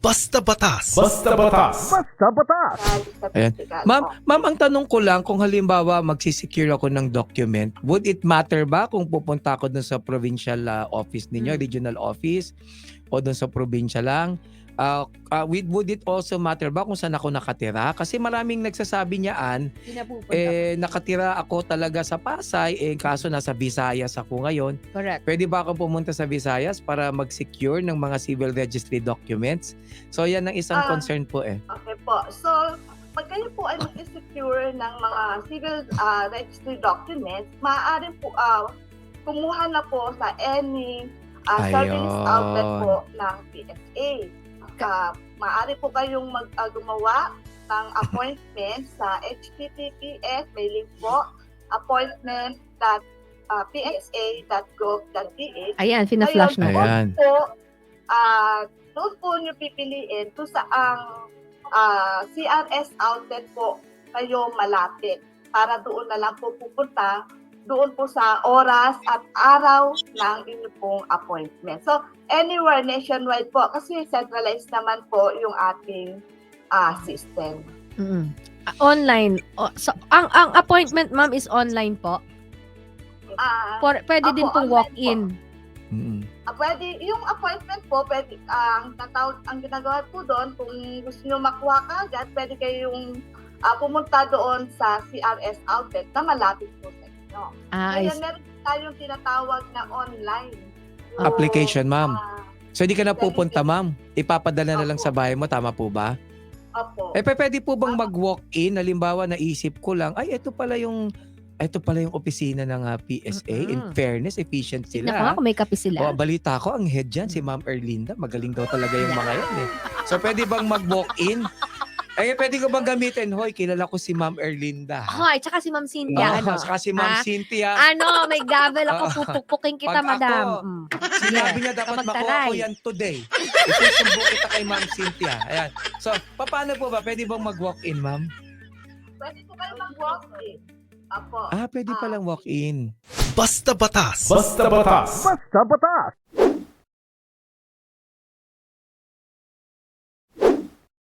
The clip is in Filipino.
Basta Batas. Basta Batas. Basta Batas. Ayan. Ma'am, ang tanong ko lang, kung halimbawa magsisecure ako ng document, would it matter ba kung pupunta ako dun sa provincial office ninyo, regional office, o dun sa probinsya lang? Would it also matter ba kung saan ako nakatira? Kasi maraming nagsasabi niyaan, nakatira ako talaga sa Pasay, kaso nasa Visayas ako ngayon. Correct. Pwede ba akong pumunta sa Visayas para mag-secure ng mga civil registry documents? So yan ang isang concern po eh. Okay po. So, pag kayo po ay mag-secure ng mga civil registry documents, maaari po kumuha na po sa any service outlet po ng PSA. Maaari po kayong gumawa ng appointment sa https, may link po, appointment.psa.gov.ph. Ayan, fina-flash na. Ayan. Doon po nyo pipiliin kung saang CRS outlet po kayo malapit para doon na lang po pupunta doon po sa oras at araw ng inyong pong appointment. So, anywhere nationwide po kasi centralized naman po yung ating system. Online. So, ang appointment, ma'am, is online po? Pwede din pong walk-in? Pwede, yung appointment po, pwede, ang ginagawa po doon, kung gusto nyo makuha ka agad, pwede kayong pumunta doon sa CRS outlet na malapit po sa inyo. Kaya meron tayong tinatawag na online Application, ma'am. So, hindi ka na pupunta, ma'am? Ipapadala na lang sa bahay mo, tama po ba? Opo. Pwede po bang mag-walk-in? Halimbawa, naisip ko lang, ay, ito pala yung opisina ng PSA. In fairness, efficient Tignan ko sila. nga kung may kape sila. Balita ko, ang head dyan, si Ma'am Erlinda. Magaling daw talaga yung mga yan eh. So, pwede bang mag-walk-in? Pwede ko bang gamitin? Hoy, kilala ko si Ma'am Erlinda. Hoy, tsaka si Ma'am Cynthia. Saka si Ma'am Cynthia. May gavel ako, pupukpukin kita, Pag madam. Sinabi niya dapat makuha ko yan today. Isusubo kita kay Ma'am Cynthia. Ayan. So, paano po ba? Pwede bang mag-walk-in, ma'am? Pwede po kayo mag-walk-in. Opo. Pwede palang walk-in. Basta Batas. Basta Batas. Basta Batas.